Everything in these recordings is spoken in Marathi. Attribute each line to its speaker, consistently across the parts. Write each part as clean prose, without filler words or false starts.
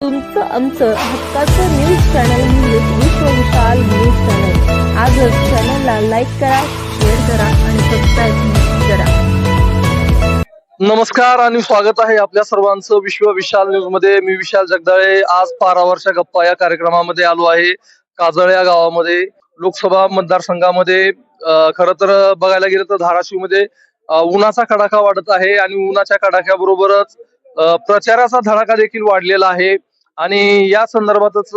Speaker 1: तुमचं आमचं हक्काचं न्यूज चॅनल म्हणजे विश्व विशाल न्यूज चॅनल. आजच चॅनलला लाईक करा, शेअर करा आणि सबस्क्राईब करा.
Speaker 2: नमस्कार आणि स्वागत आहे आपल्या सर्वांचं विश्व विशाल न्यूज मध्ये. मी विशाल जगदाळे. आज पारावरच्या गप्पा या कार्यक्रमामध्ये आलो आहे. काजळ या गावामध्ये लोकसभा मतदारसंघामध्ये खरं तर बघायला गेलं तर धाराशिव मध्ये उन्हाचा कडाका वाढत आहे आणि उन्हाच्या कडाक्याबरोबरच प्रचाराचा धडाका देखील वाढलेला आहे. आणि या संदर्भातच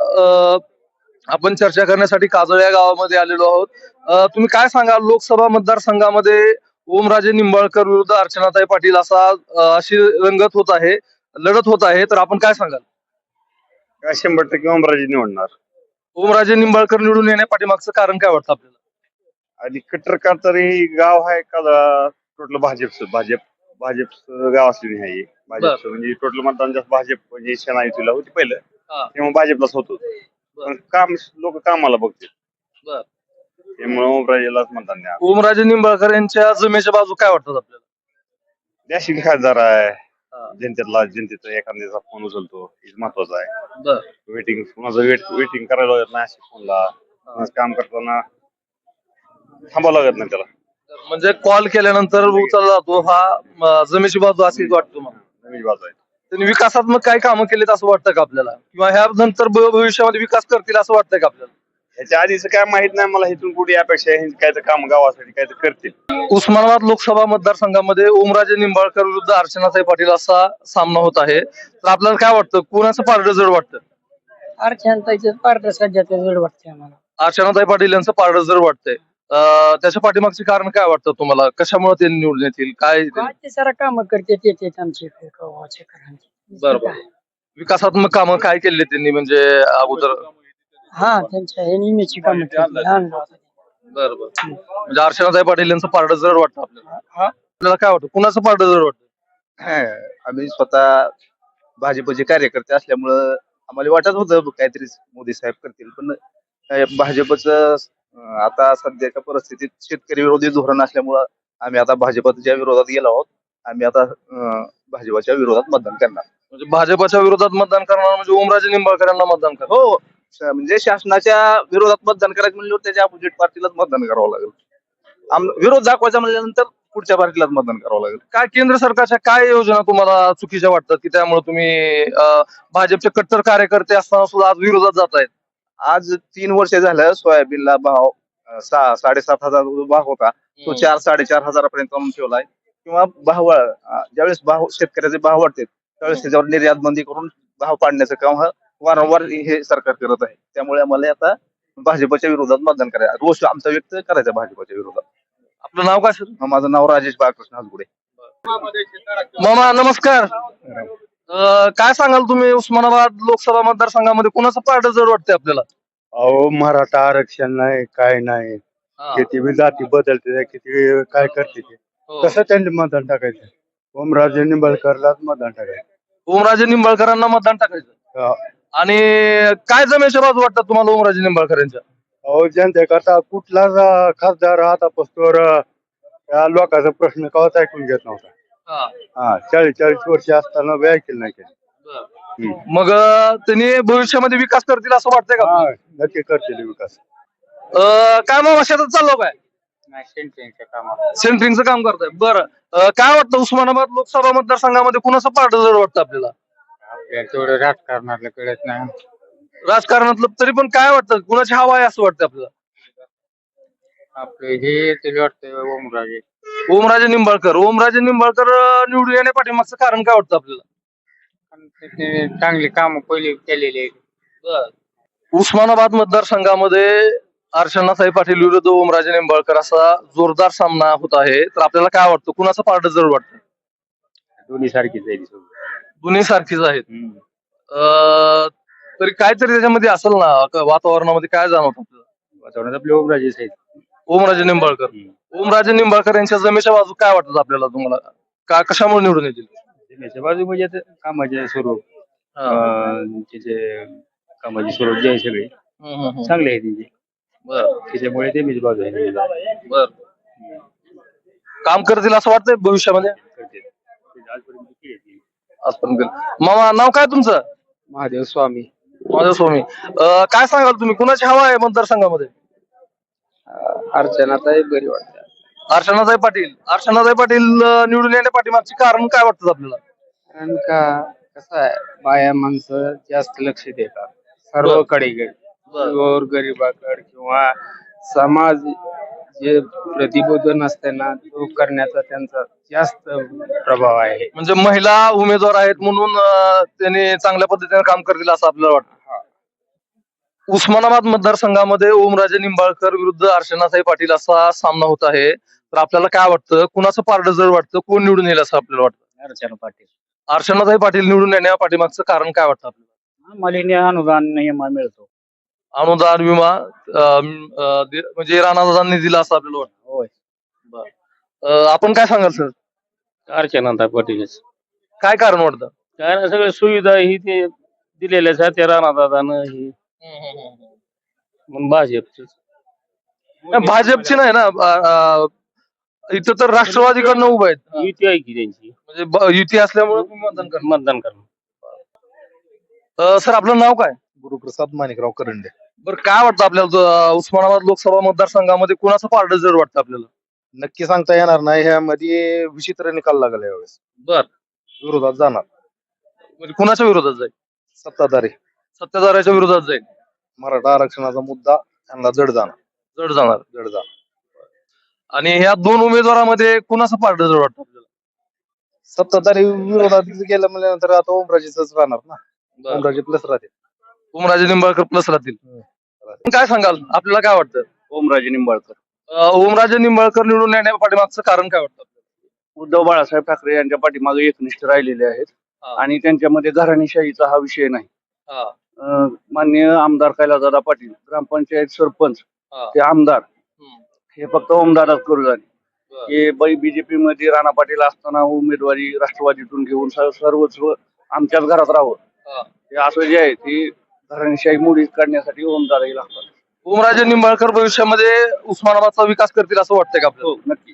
Speaker 2: आपण चर्चा करण्यासाठी काजळ या गावामध्ये आलेलो आहोत. तुम्ही काय सांगाल, लोकसभा मतदारसंघामध्ये ओमराजे निंबाळकर विरुद्ध अर्चनाताई पाटील अशी रंगत होत आहे, लढत होत आहे, तर आपण काय सांगाल?
Speaker 3: काय 100% ओमराजे निवडणार.
Speaker 2: ओमराजे निंबाळकर निवडून येण्या पाठीमागचं कारण काय वाटतं आपल्याला?
Speaker 3: आणि कट्टर तरी गाव आहे का टोटल भाजपचं गाव असलेली आहे. भाजपचं म्हणजे टोटल मतदान जास्त भाजप म्हणजे सेनायुतीला होती पहिलं, तेव्हा भाजपलाच होत होतं. पण काम लोक कामाला बघतील, त्यामुळे ओमराजेलाच मतदान द्या.
Speaker 2: ओमराजे निंबाळकर यांच्या जमेच्या बाजू काय वाटतात आपल्याला?
Speaker 3: देशी खासदार आहे, जनतेचा एखाद्याचा फोन उचलतो, हे महत्वाचं आहे. वेटिंग कुणाचं वेटिंग करायला लागत नाही अशा फोनला. काम करताना थांबावं लागत नाही त्याला.
Speaker 2: म्हणजे कॉल केल्यानंतर उचलला जातो, हा जमेची बाजू अशी वाटतो मला.
Speaker 3: नवीन बाजू आहे.
Speaker 2: त्यांनी विकासात्मक काय कामं केलीत असं वाटतं का आपल्याला, किंवा ह्या नंतर भविष्यामध्ये विकास करतील असं वाटतंय का आपल्याला?
Speaker 3: ह्याच्या आधीच काय माहित नाही मला, इथून कुठे अपेक्षा आहे काय तर काम गावासाठी काय तर करतील.
Speaker 2: उस्मानाबाद लोकसभा मतदारसंघामध्ये ओमराजे निंबाळकर विरुद्ध अर्चनाताई पाटील असा सामना होत आहे. तर आपल्याला काय वाटतं, कोणाचं पारडं जड वाटतं?
Speaker 4: अर्चनाताईचं पारडं सध्याचं जड वाटतंय आम्हाला.
Speaker 2: अर्चनाताई पाटील यांचं पारडं जड वाटतंय. त्याच्या पाठीमागचे कारण काय वाटतं तुम्हाला? कशामुळे ते निवडून येतील? काय
Speaker 4: ते सारा काम करते ते आमचे गावाचे
Speaker 2: बरोबर. विकासात्मक कामं काय केली त्यांनी, म्हणजे अगोदर?
Speaker 4: हा, त्यांच्या हे नेहमीची कामं केली.
Speaker 2: बरोबर. म्हणजे अर्चनाताई पाटील यांचं पारडं जड वाटतं आपल्याला. आपल्याला काय वाटतं, कुणाचं पारडं जड वाटतं?
Speaker 5: आम्ही स्वतः भाजपचे कार्यकर्ते असल्यामुळं आम्हाला वाटत होतं काहीतरी मोदी साहेब करतील, पण भाजपचं आता सध्याच्या परिस्थितीत शेतकरी विरोधी धोरण असल्यामुळं आम्ही आता भाजपच्या विरोधात गेलो आहोत. आम्ही आता भाजपच्या विरोधात मतदान करणार.
Speaker 2: म्हणजे भाजपच्या विरोधात मतदान करणार म्हणजे ओमराजे निंबाळकर यांना मतदान करणार?
Speaker 5: हो, म्हणजे शासनाच्या विरोधात मतदान करायचं म्हणल्यावर त्याच्या अपोजिट पार्टीलाच मतदान करावं लागेल. विरोध दाखवायचा म्हणल्यानंतर पुढच्या पार्टीलाच मतदान करावं लागेल.
Speaker 2: काय केंद्र सरकारच्या काय योजना तुम्हाला चुकीच्या वाटतात की त्यामुळे तुम्ही भाजपचे कट्टर कार्यकर्ते असताना सुद्धा आज विरोधात जात आहेत?
Speaker 5: आज 3 वर्ष झालं सोयाबीनला भाव 7,500 जो भाव होता तो 4-4.5 हजारापर्यंत आणून ठेवलाय. किंवा भाव ज्यावेळेस शेतकऱ्याचे भाव वाढतात त्यावेळेस त्याच्यावर निर्यात बंदी करून भाव पाडण्याचं काम वारंवार हे सरकार करत आहे. त्यामुळे आम्हाला आता भाजपच्या विरोधात मतदान करायचं, रोष आमचा व्यक्त करायचा भाजपच्या विरोधात.
Speaker 2: आपलं नाव काय सर?
Speaker 5: माझं नाव राजेश बाळकृष्ण हसगुडे.
Speaker 2: मामा नमस्कार. काय सांगाल तुम्ही, उस्मानाबाद लोकसभा मतदारसंघामध्ये कुणाचं पारडं जड वाटतंय आपल्याला?
Speaker 6: अहो, मराठा आरक्षण नाही, काय नाही. किती बी जाती बदलते, किती काय करते ते, कसं त्यांनी मतदान टाकायचं? ओमराजे निंबाळकरलाच मतदान टाकायचं.
Speaker 2: ओमराजे निंबाळकरांना मतदान टाकायचं. आणि काय जमेच्या बाजू वाटतात तुम्हाला ओमराजे निंबाळकर यांच्या?
Speaker 6: अहो, जनतेकरता कुठलाच खासदार आता पस्तोर या लोकांचा प्रश्न कवाच ऐकून घेत नव्हता. 40 वर्ष असताना बी ऐकलं नाही त्यांनी.
Speaker 2: मग त्यांनी भविष्यामध्ये विकास करतील असं वाटतंय का?
Speaker 6: नक्की करतील विकास.
Speaker 2: काय मग शेतात चाललो काय? सेंटरिंगचं काम करताय. बरं, काय वाटतं उस्मानाबाद लोकसभा मतदारसंघामध्ये कुणाचं पारडं जड वाटतं आपल्याला?
Speaker 6: तेवढं राजकारणातलं कळत नाही.
Speaker 2: राजकारणातलं तरी पण काय वाटतं, कुणाची हवा आहे असं वाटतं आपल्याला?
Speaker 6: आपलं हे तरी वाटतं ओमराजे.
Speaker 2: ओमराजे निंबाळकर निवडून येण्या पाठीमागचं कारण काय वाटतं आपल्याला?
Speaker 6: चांगली कामं पहिले केलेली आहेत.
Speaker 2: उस्मानाबाद मतदारसंघामध्ये अर्चनाताई पाटील विरुद्ध ओमराजे निंबाळकर असा जोरदार सामना होत आहे. तर आपल्याला काय वाटतं, कुणाचं पारडं जड वाटतं?
Speaker 6: दोन्ही सारखीच आहे.
Speaker 2: दोन्ही सारखीच आहेत. तरी काहीतरी त्याच्यामध्ये असेल ना, वातावरणामध्ये काय जाणवत आपल्याला?
Speaker 6: वातावरणात आपले ओमराजेच आहेत.
Speaker 2: ओमराजे निंबाळकर यांच्या जमेच्या बाजू काय वाटतात आपल्याला, तुम्हाला का कशामुळे निवडून येतील?
Speaker 6: जमेच्या बाजू म्हणजे आता कामाचे स्वरूप, त्याचे कामाचे स्वरूप जे आहे सगळे चांगले आहे त्यांचे. त्याच्यामुळे ते मीच बाजू आहे.
Speaker 2: बर, काम करतील असं वाटतंय भविष्यामध्ये? आजपर्यंत. मामा नाव काय तुमचं?
Speaker 4: महादेव स्वामी
Speaker 2: माझ्या स्वामी काय सांगाल तुम्ही कुणाची हवा आहे मतदारसंघामध्ये?
Speaker 4: अर्चनाताई बरी वाटते.
Speaker 2: अर्चनाताई पाटील निवडून येण्या पाठीमागचे कारण काय वाटतं आपल्याला?
Speaker 4: कारण का कसं आहे, बाया माणसं जास्त लक्ष देतात सर्वकडे गोर गरिबाकडे किंवा समाज जे प्रतिबोधन असते ना तो करण्याचा त्यांचा जास्त प्रभाव आहे.
Speaker 2: म्हणजे महिला उमेदवार आहेत म्हणून त्यांनी चांगल्या पद्धतीने काम करतील असं आपल्याला वाटतं. उस्मानाबाद मतदारसंघामध्ये ओमराजे निंबाळकर विरुद्ध अर्चनाताई पाटील असा सामना होत आहे. तर आपल्याला काय वाटतं, कुणाचं पारडं जड वाटतं, कोण निवडून येईल असं आपल्याला वाटतं?
Speaker 4: अर्चना पाटील.
Speaker 2: अर्चनाताई पाटील निवडून येण्या पाठीमागचं कारण काय वाटतं आपल्याला?
Speaker 4: मला अनुदान नियम मिळतो.
Speaker 2: अनुदान विमा म्हणजे राणादादांनी दिला असं आपल्याला वाटतं.
Speaker 4: होय.
Speaker 2: आपण काय सांगाल सर,
Speaker 4: अर्चनाताई पाटीलच.
Speaker 2: काय कारण वाटतं?
Speaker 4: काय ना सगळ्या सुविधा ही ते दिलेल्याच आहेत त्या राणादादानं ही म्हणून भाजपच.
Speaker 2: भाजपची नाही ना, इथं तर राष्ट्रवादीकडनं उभं आहेत.
Speaker 4: युती आहे की त्यांची,
Speaker 2: म्हणजे युती असल्यामुळे तुम्ही मतदान करणार.
Speaker 4: मतदान करणं.
Speaker 2: सर आपलं नाव काय?
Speaker 5: गुरुप्रसाद माणिकराव करंडे.
Speaker 2: बरं काय वाटतं आपल्याला उस्मानाबाद लोकसभा मतदारसंघामध्ये कुणाचं पारडं जड वाटतं आपल्याला?
Speaker 5: नक्की सांगता येणार नाही, ह्यामध्ये विचित्र निकाल लागला यावेळेस.
Speaker 2: बर,
Speaker 5: विरोधात जाणार
Speaker 2: म्हणजे कुणाच्या विरोधात जाईल?
Speaker 5: सत्ताधारी
Speaker 2: सत्ताधाऱ्याच्या विरोधात जाईल.
Speaker 5: मराठा आरक्षणाचा मुद्दा त्यांना जड
Speaker 2: जड जाणार.
Speaker 5: जाणार.
Speaker 2: आणि ह्या दोन उमेदवारामध्ये कुणाचं पारडं जड वाटतं आपल्याला?
Speaker 5: सत्ताधारी विरोधात गेलं म्हणल्यानंतर आता ओमराजेच राहणार ना. ओमराजे प्लस राहते.
Speaker 2: ओमराजे निंबाळकर प्लस राहतील. काय सांगाल, आपल्याला काय वाटतं?
Speaker 3: ओमराजे निंबाळकर.
Speaker 2: ओमराजे निंबाळकर निवडून येण्या पाठीमागचं कारण काय वाटतं?
Speaker 3: उद्धव बाळासाहेब ठाकरे यांच्या पाठीमागे एकनिष्ठ राहिलेले आहेत
Speaker 2: हा.
Speaker 3: आणि त्यांच्यामध्ये घराणेशाहीचा हा विषय नाही.
Speaker 2: हा.
Speaker 3: माननीय आमदार कैलासदादा पाटील, ग्रामपंचायत सरपंच
Speaker 2: हा.
Speaker 3: ते आमदार हे फक्त ओमदादाच करू झाले.
Speaker 2: बरं.
Speaker 3: हे बीजेपी मध्ये राणा पाटील असताना उमेदवारी राष्ट्रवादीतून घेऊन सर्वस्व आमच्याच घरात राहावं,
Speaker 2: हा.
Speaker 3: हे असं जे आहे ते घराणेशाही मोडीत काढण्यासाठी ओमदादाही लागतात.
Speaker 2: ओमराजे निंबाळकर भविष्यामध्ये उस्मानाबादचा विकास करतील असं वाटतंय का आपल्याला?
Speaker 3: हो, नक्की.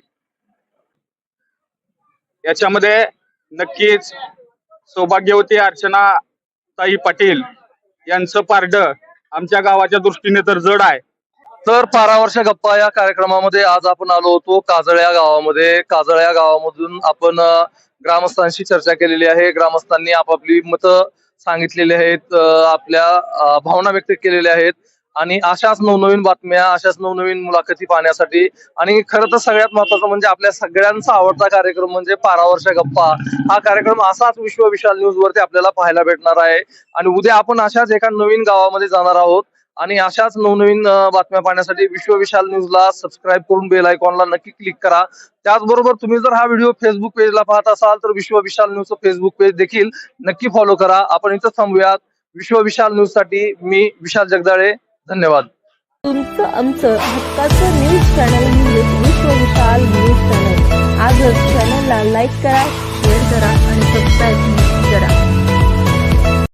Speaker 7: याच्यामध्ये नक्कीच सौभाग्यवती अर्चना ताई पाटील यांचं पारडं आमच्या गावाच्या दृष्टीने तर जड आहे.
Speaker 2: तर 12 वर्ष गप्पा या कार्यक्रमामध्ये आज आपण आलो होतो काजळ्या गावामध्ये. काजळ्या गावामधून आपण ग्रामस्थांशी चर्चा केलेली आहे. ग्रामस्थांनी आपापली मतं सांगितलेली आहेत, आपल्या भावना व्यक्त केलेल्या आहेत. आणि अशाच नवनवीन बातम्या, अशाच नवनवीन मुलाखती पाहण्यासाठी आणि खरं तर सगळ्यात महत्वाचं म्हणजे आपल्या सगळ्यांचा आवडता कार्यक्रम म्हणजे 12 वर्ष गप्पा, हा कार्यक्रम असाच विश्व विशाल न्यूज वरती आपल्याला पाहायला भेटणार आहे. आणि उद्या आपण अशाच एका नवीन गावामध्ये जाणार आहोत आणि अशाच नवनवीन बातम्या पाहण्यासाठी विश्व विशाल न्यूजला सबस्क्राईब करून बेल आयकॉनला नक्की क्लिक करा. त्याचबरोबर तुम्ही जर हा व्हिडिओ फेसबुक पेजला पाहत असाल तर विश्व विशाल न्यूजचं फेसबुक पेज देखील नक्की फॉलो करा. आपण इथं थांबूयात. विश्व विशाल न्यूज साठी मी विशाल जगदाळे, धन्यवाद.
Speaker 1: तुमचं आमचं हक्काचं न्यूज चॅनल म्हणजे विश्व विशाल न्यूज चॅनल. आजच चॅनलला लाईक करा, शेअर करा आणि सबस्क्राईब करा.